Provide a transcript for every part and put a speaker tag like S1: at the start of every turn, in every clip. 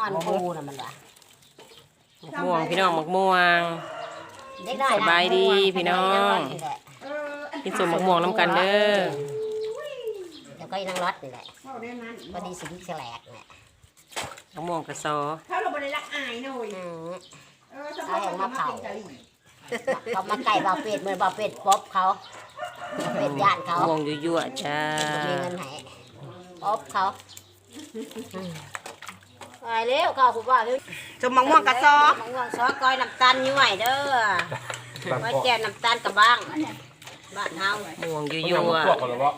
S1: อ่อนปูน่ะมันว่ะ
S2: ม่วงพี่น้องหมกม่วง
S1: เด็กน้อย
S2: สบายดีพี่น้องกินสมหมกม่วงน้ำกันเด้อ
S1: แล้วก็อีนางรถนี่แหละพอดีสิงแฉลกเนี่ย
S2: หมกม่วงกระซอ
S3: ถ้าเราบริรักอายหน่อย
S1: เอาแหงมาเผาเขามาไก่เบาเป็ดเหมือนเบาเป็ดป๊บเขาเป็ดย่านเขา
S2: ม่วงยั่วๆจ้า
S1: มีเงินให้ป๊บเขาไปเร็วข้าวผมว่าเร็ว
S3: จมมะม่วงกระซอ
S1: มะม่วงซอก้อยน้ำตาลย่อยเด้อก้อยแจ่น้ำตาลกับบ้างบ้านเฮา
S2: ม่วงยั่
S4: ยั่
S2: ว
S4: พวกกันหรือเปล่า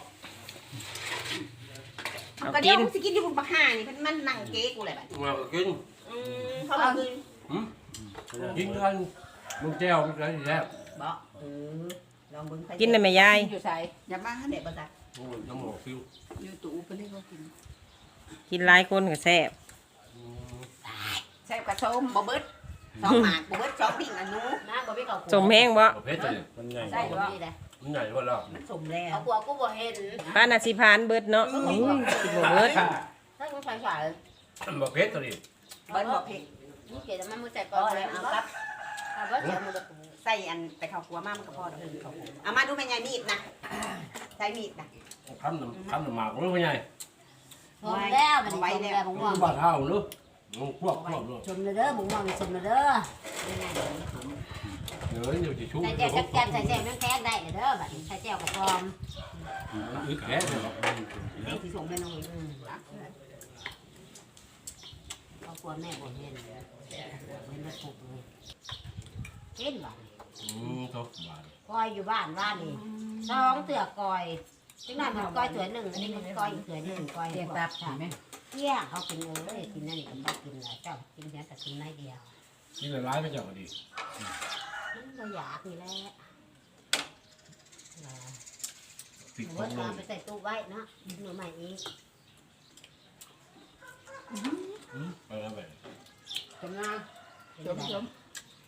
S2: ๆเอา
S3: ก็เดี๋
S2: กิ
S3: ยวน สิกินที่บุญบักห่านี่มันนั่งเก๊กูเลยแบบ
S4: มากิน
S3: เขาบอกคือ
S4: กินกันมึงแจ้วมึงอะไรแซ่บ
S3: บอกลองเบิ้ง
S2: กินได้ไหมยาย
S3: อยู่ใส่อย่ามาให้เด็กบ้าจัก
S4: โอ้ยน้ำหมอกฟิว
S3: อยู่ตู้เป็นให้เขากิน
S2: กินหลายคนก็แซ่บ
S3: แซ่บกระส้มบ่เบิ้ลสองหมากบ่เบิ้ลสองดิ่งอันนู้
S1: น้าบ่มีข้าว
S2: สมแห้งบ่
S4: ประเภทเลยมันใหญ่
S1: ใช่บ่มีเลย
S4: มันใหญ่กว่าเรา
S3: มันสมแล้ว
S1: เอากลัวกูบ่เห็น
S2: ป้านาสิพานเบิดเนาะอุ้ยกินบ่เบิด
S1: ถ้ากูใส่ใส่
S4: ประเภทตัวนี้
S3: เบิ้ลบอกเพ็ก
S1: นี่เกดมันมือใส่ก่อนเลยเอาครับเอาบ่เสียมือ
S3: ใส่อันแต่ข้าวคั่วมากมันก็พอดอกเขาเอามาดูแม่ยายมีดนะใช้มีดนะ
S4: คำน้ำหมากรู้ไหมไง
S1: ชมแล้วมันชมแล้วบุ้งม่วง
S4: บ้านเฮาเนาะมึงพวกเลย
S1: ชมเลยเด้อบุ้งม่วงชมเลยเด้อ
S4: เดี๋ยวเดี๋ยวจะชุ่ม
S1: ใส่แจ่วแจ่วใส่แจ่วน้ำแข็งได้เด้อบัดใส่แจ่วกับพร้อม
S4: อึดแก่เลยหรอก
S3: นี่ที่ส่งให้น้องเลย
S1: เอากลัวแม่บ่เห็นเห็นมาถูกเลยเห็นบ่
S4: ทุกบ้าน
S1: กอยอยู่บ้านว่านี่สองเตือกอยจังนั้นมันกอยเตือหนึ่งอันนี้มันกอยอีกเตือหนึ่งกอยเรียกตับใช่ไหมเที่ยงเขากินเลยกินนั่นนี่ก็บ่กินเลยเจ้ากินแค่แต่กินน้อยเดียว
S4: นี่ละร้ายไม่จับดี
S1: มันก็อยากนี่แหละ
S4: ติด
S1: หนู
S4: ขอ
S1: ว่าง
S4: ล
S1: เอา
S4: ง
S1: ไปใส่ตู้ไว้เนาะหนูใหม่อีก
S4: ไปแล้วไป
S1: จำนะจม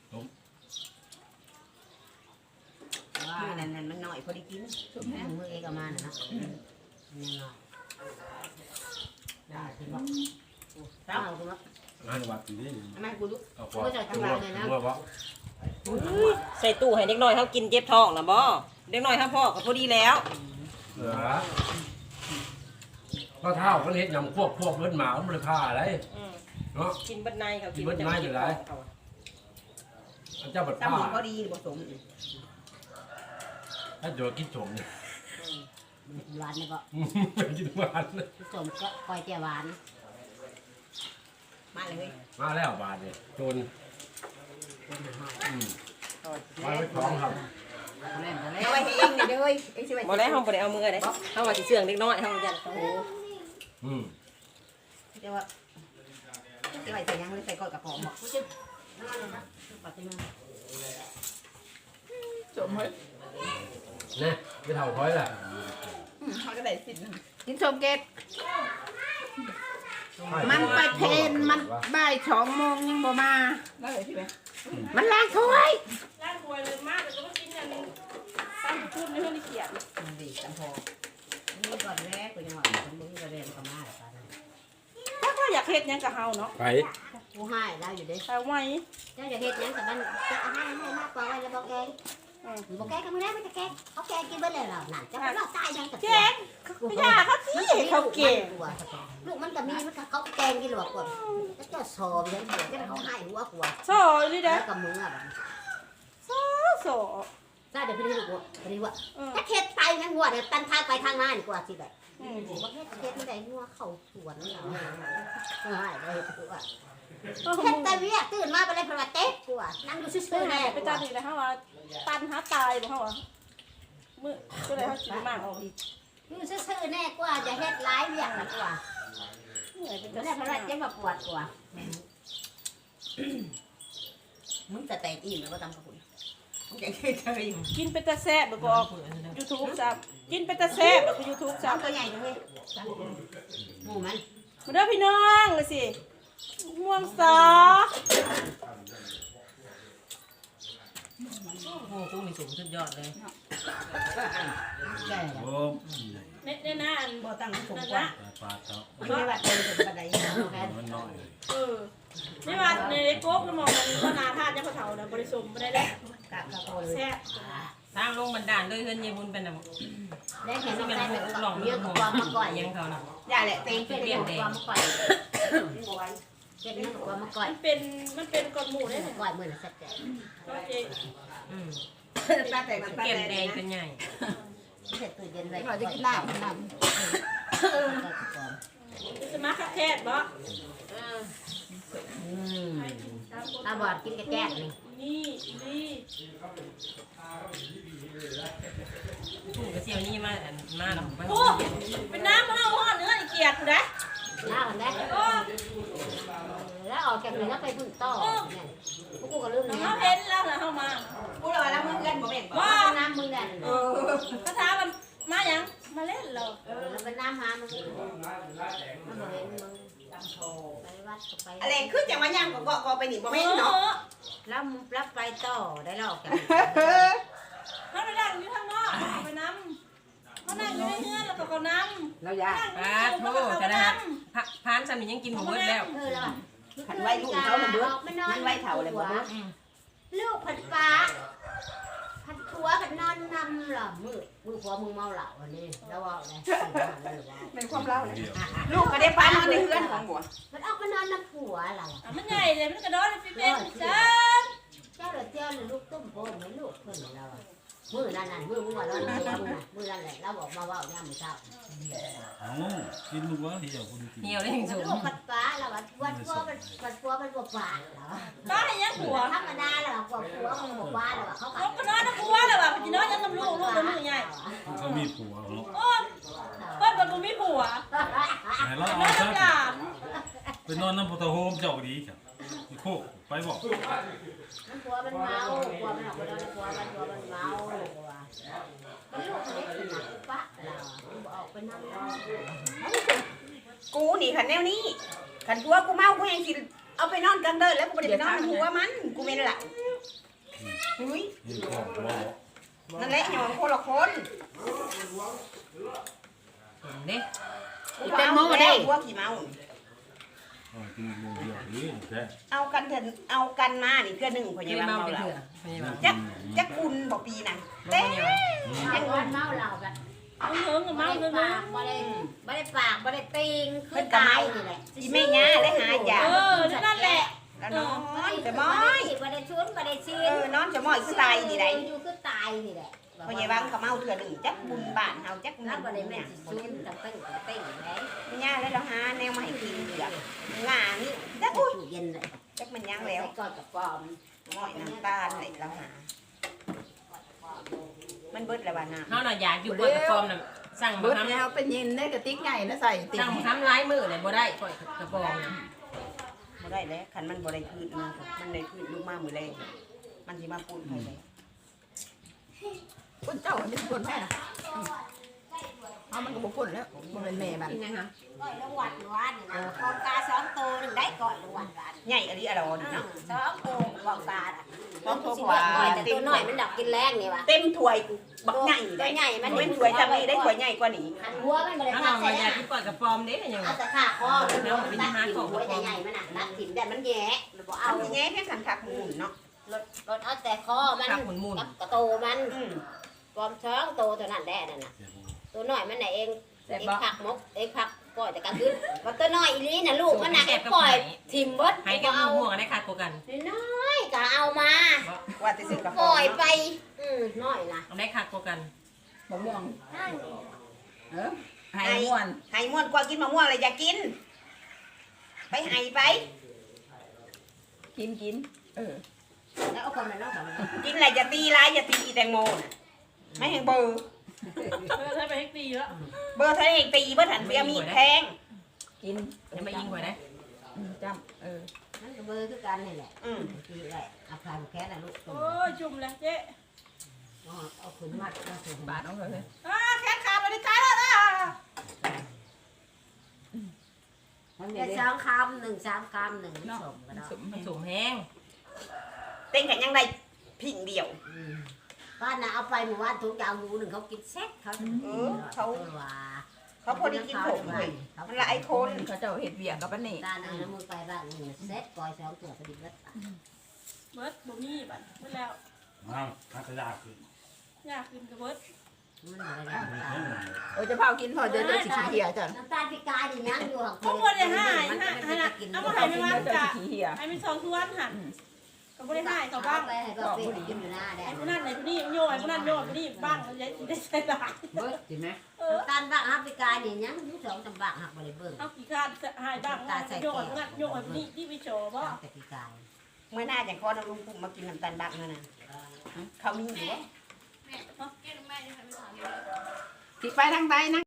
S1: ว่า
S3: นั่นมันหน่อยพอดีกิน
S1: มือเอกเอามาน่ะเนาะนี่หน่อยได้ที่บอกเอาคุณว่า
S4: งานวัดนี่
S3: ทำไมกูรู้
S4: เอาพอตัววะ
S2: ใส่ตู้ให้เด็กน้อยเฮากินเจ็บท้องน่ะบ่เด็กน้อยเฮาพ่อก็พอดีแล้ว
S4: เหลือก็เท่าก็เห็นยำพวกเบิ้ลหมามันเลยฆ่าอะไรเนาะ
S2: กินเบิดในเขา
S4: กินเบิดในอยู่หลาย เจ้าบัด
S3: ตั้ง
S4: ผ้า
S3: หมพอดีผสม
S4: ถ้าเจอกินสมเนี่ย
S1: หวานนี่ก็
S4: กินหวานเลย
S1: สมก็คอยเจียวหวาน
S3: มาเลย
S4: มาแล้วบาทเนี่ยโจรมาไว้ท้องครับ
S3: เอาไว้ให้เองนี่เด้อเองสิไว้
S2: บ่ได้เฮาบ่ได้เอามือเด้เฮาว่าสิเชื่องเด็กน้อยเฮายันเขา
S3: เดี๋ยวว่าสิไว้ใส่ยังหรือใส่ก้อยกระป๋องบอก
S1: ปัดที่มือ
S3: จมเฮ้ย
S4: เนี่ยไม่เท่าค่อยแหละ
S3: เขาก็ได้สิกินชมเกตมันไปเพนมันบ่าย2 โมงยังบ่มาได้เลยพี่ไหมมันล้างถ้วย
S2: ล้างถ้วยเลยมากแต่ก็กินอันตั้งพูดไม่ได้เขียน
S1: มันดีจังพอนี่ก่อนแรกกูยังหวานคนมึงก็เรียนก็มาแล้วกัน
S2: ถ้าก็อยากเฮ็ดหยังกับเฮาเนาะ
S4: ไป
S1: กูให้ได้อยู่เด้
S2: แต่ไว้
S1: เจ้าจะเฮ็ดยังแต่มันจะให้มากกว่าไว้แล้วบอกแกบอกแกก็ไม่ได้ไม่จะแกเขาแกกินไปเลยเหรอน่ะจะไปรอดตายยังกับ
S2: แกงพี่ยาเขาสิเขาเก่ง
S1: ลูกมันก็มีมันก็เขาแกงกินหรอกกว่าแล้วก็สอบยังจะเขาให้หัวกว่า
S2: ซอยนี่เด้
S1: แล้วกับมืออ่ะ
S2: โซ
S1: ใช่เดี๋ยวพี่ลูกว่าพี่ว่าถ้าเข็ดไปงั้นหัวเดี๋ยวตันทางไปทางมาดีกว่าสิแบบบอกเข็ดไม่ได้หัวเข่าสวนเราให้ได้ตัวเข็ดแต่เวียตื่นมาไปเลยเพราะว่าเต๊ะกว่านั่งดูซื่อๆแน่
S2: ไปตามอีกแล้วเฮาว่าตันหาตายบ่เฮาว่ามื้อก็เลยเฮาสิมากออกอีก
S1: ดูซื่อๆแน่กว่าจะเฮ็ดร้ายเวียกกว่า
S2: เหนื่อยเป็น
S1: ไม่
S2: จั
S1: ได้
S2: ง
S1: เพราะ
S2: ได๋
S1: ว่าเจ็บแบบปวดกว่ามึงจะแตกอิ่มแล้วก็ทำกับคุณ
S3: แกงเคย
S2: กินเป็นตาแซ่บบ่บอก YouTube ซ้ำกินเป็นตาแซ่บบ่ YouTube ซ้ำ
S3: ตัวใหญ่เลย
S1: หมูมัน
S2: มาเด้อพี่น้องเลยสิม่วงซอ
S5: โอ้โหกุ้งนี่สูงสุดยอดเลย
S3: แก่
S4: โอ้
S2: เนี่ยนะอัน
S3: บ่ตั้งสูง
S2: นั่น
S3: กว่า
S2: ละ
S4: ปลาเจ้า
S3: ไม่ได้ว่าเป็นบันได
S4: มันน้อย
S2: ไม่ว่าในโก๊กมันมองมันก็นาธาตุเนี่ยเขาเถาเนี่ยบริสุทธิ์ไม่ได้แล้ว
S3: กะกะโตเลย
S2: แซ่บ
S5: ทางลงบันดาลด้วยเฮือนยายบุญเป็นแบบ
S1: ได้เห็น
S5: ที่
S1: มัน
S5: เป็น
S1: ได้
S5: หลง
S1: เยอะกว่ามาก่อย
S5: ยังเขาน่ะ
S3: อย่าแหละเต็
S1: เป็
S3: ง
S1: นเรื่องความมาก่อยเก็บเรื่องความมาก่อย
S2: มันเป็นก้อนหมูได้เลย
S1: ก่อยเหมือนสัตว์แก่
S2: โอเค
S5: อืม
S3: ปลาแต่งปลา
S5: เก็บ
S3: แต่ง
S5: แดงเป็นใหญ่
S1: เสร็จตู้เย็นไว้
S3: เราจะกินน้ำน้
S2: สมาร์ทแคทบ่
S1: ตาบอดกินกระแจกนี่
S2: นี่
S5: กุ้งกระเจียวนี่มามาหรอมา
S2: โอ้เป็นน้ำมันเอาห่อเนื้ออีเกียดนะ
S1: หน้ามันได้แล้วออกจากนี้แล้วไปพึ่งต่อพวกกูก็ลืมนะ
S2: เขาเห็นแล้วนะเข้ามา
S3: ำกูรอแล้วมึงกันบ่เป็นบ่
S1: ว่าน้ำมึงแดน
S2: คาถามันมาอย่างมาเล่นเรา
S1: แล้วเป็นน้ำหามึงมันบอกเห็นมึงไปวัดไป
S3: อะไรคือจังว่าย่างก็ไปนี่บ่แม่นเนาะ
S1: แล้วรับไปต่อได้แล้วออกจาก
S2: เขาไปนั่งอยู่ข้างนอกไปน้ำเขานั่งอยู่ในเฮือนแล้วก็เขาน้ำ
S3: เราอย่า
S5: ปลาโทจะนะฮะพานสามียังกินหมูเบิดแล้ว
S1: คือแล้ว
S3: ขันไว้ลูกเขามันเบิดมันไว้เท่าเลยบ่เบิด
S1: ลูกผัดปลาผัดขัวผัดนอนนำหรอมือขัวมึงเมาเหล่าอันนี้แล้วว่าไง
S3: เป็นความเล่าเลยลูกก็ได้ปลานอนในเฮือนของบัว
S1: มันออกมานอนน้ำผัวเรา
S2: มันใหญ่เลยมันกระโดดฟิเป็นจ้า
S1: เจ้าเจ้าลูกต้มโป่งให้ลูกเพื่อนเรามือนั่นมือมึงว่าเรามือนั่นแหละเราบอกมาว่าย่ำเช้า
S4: เอากินมึงวะเหี่ยวคุณกิน
S5: เหี่ยวได้ถึงสูง
S1: ลูกผัดปลาเราวัดพัวมันผัดพัวมันบวปลาเรา
S2: ป้าให้ยังหัว
S1: ธรรมดาเราบวผัวมันบวปลาเราเขา
S2: เขาก็นอนน้ำหัวเลยว่ะพี่น้องยังน้ำลูกลูกมือใหญ่
S4: เขามีผัวเนาะ
S2: โอ้เพิ่นเป็นบุมีผัว
S4: ไหนเรา
S2: นอ
S4: เอา
S2: น
S4: ซะ
S2: น้ำหลาน
S4: ไปนอนน้ำพุทธโฮมเจ้าดีจ้ะโคกไปบอก
S1: ผัวมันเมาผัวมันออกไปนอนผัวมันเมามันลูกเล็กขนาดปะเราออกไปนั่ง
S3: กูนี่ขันแนวนี้ขันผัวกูเมากูยังสิเอาไปนอนกลางเดินแล้วกูบ่ได้ไปนอนหัวมันกูแม่นล่ะอุ้ย
S4: ยิงของบ่
S3: นั่นแหละอย่างคนละคน
S5: เด้
S3: เป็นโมได้ผัวขี้เมา
S4: กินมือเดียวนี่แค่
S3: เอากันเถอะเอากันมานี่เพื่อหนึ่งพ
S5: เค
S3: ยาย บาล
S5: เมา
S3: เมา
S5: ไป
S3: เรา
S5: เถื่อพยาบาล
S3: จักคุณบอกปีน่ะเต้
S1: ยังวันเมาเราแบบ
S2: เฮิงกับเมาเฮิง
S1: ปากบ่ได้ปากบ่ได้ติงคือตายนี่แหละ
S3: อีแม่ย่าได้หายา
S2: นั่นแหละ
S3: แล้วนอนจะม
S1: บ่
S3: อ
S1: ได้
S3: ย
S1: บ่ได้ชุนบ่ได้ซีน
S3: นอนจะมอยคือตายดีได
S1: อยู่คือตายนี่แหละ
S3: พยาบาลเขาเมาเถื่อหนึ่งจักบุญบ้านเฮาจัก
S1: นั
S3: นั่
S1: ก
S3: น
S1: บ่
S3: บ่
S1: ได้
S3: ได้
S1: แม่
S3: แม่
S1: สิชุนตั้งเต้งเต้งแล้ว
S3: แม่ย่าได้แล้วหาแนวมาให้กินเหลืองานี่จัก
S1: ตู้
S3: อุ้ย
S1: เย็นเลย
S3: จักมันยังแล้ว
S1: ก่อนกับปอม
S3: มอยน้ำตาลเลยแล้วหามันเบิดแล้วว่าน้ำ
S5: เขาน่ะอยากอยู่บนกระฟอมน่ะสั่ง
S6: เบิ
S5: มา
S6: ด
S5: ทำ
S6: แล้วเป็นยินได้กระติกใหญ่นะใส่ติ
S5: สั่งมาทำร้ายมือเลยบ่ได้ปล่อยกระฟองน่ะ
S3: บ่ได้แล้วคันมันบ่ได้คืนมามันได้คืนลูกมามื้อแรกมันสิมาปูนให้เลย
S6: คนเจ้าเป็นคนแม่นะเอามันก็บุกคนแล้วมันเป็นแม่มัน
S1: ก่อนละวันวันนี่นะกองกา2โตนึงได้ก่อนละวันวัน
S3: ใหญ่อะไรอะไรนี่เนาะ
S1: 2โตกองกาอ่ะ
S3: ต้องโทร
S1: สิ
S3: ก
S1: ว่า
S3: ว่า
S1: แต่ตัวน้อยมันดักกินแรงนี่ว่ะ
S3: เต็มถ้วยบักใหญ่
S1: ตัวใหญ่มัน
S3: เป็นถ้วยจำนี้ได้ถ้วยใหญ่กว่านี้
S1: หันหัวมันบ่ได้
S5: ถ้า
S1: พา
S5: เรา
S1: ใส่
S5: อยากที่ปล่อยกระฟอมเด้ยัง
S1: เอาแต่ขาคอมันตัดถิ่นหัวใหญ่ๆมันน่ะตัดถิ่นแต่มันแย่มันบ่
S3: เอา
S1: เอา
S3: แง่แค่สันคักหมุนเนาะ
S1: รถเอาแต่คอมัน
S5: ขับหมุน
S1: กับกระโตมันปลอมช้องโตเท่านั้นแหละนั่นน่ะตัวน้อยมันน่ะเองผักมกเองผักปล่อยแต่กลางคืนมันตัวน้อยอีนี้น่ะลูกมันน่ะปล่อยถิ่มเบิด
S5: ให้กับห่วงได้ขาดกว่ากัน
S1: น้อยก็เอามา
S3: ว่าจะซื้อกาแฟ
S1: ปล่อยไปน้อยนะ
S5: ได้ขาดกว่ากัน
S6: มะม่วงไห้ม่วน
S3: ไห้ม่วนกว่ากินมะม่วงเลยอย่ากิน ไปไห้ไป
S6: กิน
S1: แล้วเอาคนมันเนาะ
S3: กินอะไรอย่าตีร้ายอย่าตีอีแตงโมน่ะไม่ให้เบอร์
S2: ถ้าไปให้ตีแล้ว
S3: เบอร์เท่านั้นเองตีเบอร์ถันเบียมีแพง
S6: กิน
S5: จะมายิงกว่าได้
S6: จำ
S1: นั่นก็เบอร์คือกันนี่แหละ ทีแหละเอาพายแค่น่ะลูก
S2: โอ้ยจุ่มเลยเจ๊
S1: เอาขึ้นมัดมาถึง
S6: บาทน้องเลย
S2: แค่ขาดเลยตายแล้วนะ
S1: แต่3 คำ 1 3 คำ 1 2ก็ได้
S6: สม
S5: มันสูงแห้ง
S3: เต็งกันยังไงพิงเดียว
S1: บ้านน่ะเอาไปหมู่บ้านทุกอย่างหมูหนึ่งเขากินแซ่บเขา ว่า
S3: เขาพอดีกินผมเลยมันหลายคน
S6: เขาเจ้าเฮ็ดเวียกกับอันนี้
S1: การเอาน้ำมือไปบ้านนี่เซ็ตปล่อยสองตัวพอดีเบิด
S2: เบิดบ่มีบัดเบิดแล้ว
S4: อ้าวถ้ากระดาษขึ้น
S2: อยากกินกับเบิด
S1: มันอะไรน้ำตาล
S6: จะเผากินพอจะสิขี้เหี่ยจ้ะ
S1: น้ำตาลพิการนี่ยังอยู่ของ
S2: บ่บ่ได้หายเอามาให้แม่ว่า
S6: จะ
S2: จ้ะ
S6: ขี้เหี่ย
S2: ให้มัน2ส่วนหั่นก็บ่ได้หายเขาบ้าง
S1: ไปให้ก็เป็นกินอยู่หน้าแด
S2: ไอ้
S1: ง
S2: ผู้นั้นไอ้ผู้นี้โยไอ้ผู้นั้นโยไอ้ผู้นี้บ้างยายได้ใส่หลาย
S5: เบิดใช่ไหม
S1: น้ำตาลบ้างฮับพิการนี่ยังอยู่สองจำบ้างหักบริเบิ้ง
S2: เอากี่คาดหายบ้างโยไอ้ผู้นั้นโยไอ้ผู้นี้ที่ไปโชว์บ่
S1: แต่พิการ
S3: เมื่อหน้าอย่างคอน้ำลุงปุ่มมากินน้ำตาลบักนั่นน่ะเขามีอยู่วะ
S2: แม่เนาะแก้แม่นี่ค่ะ
S3: สิไปทางใดนะ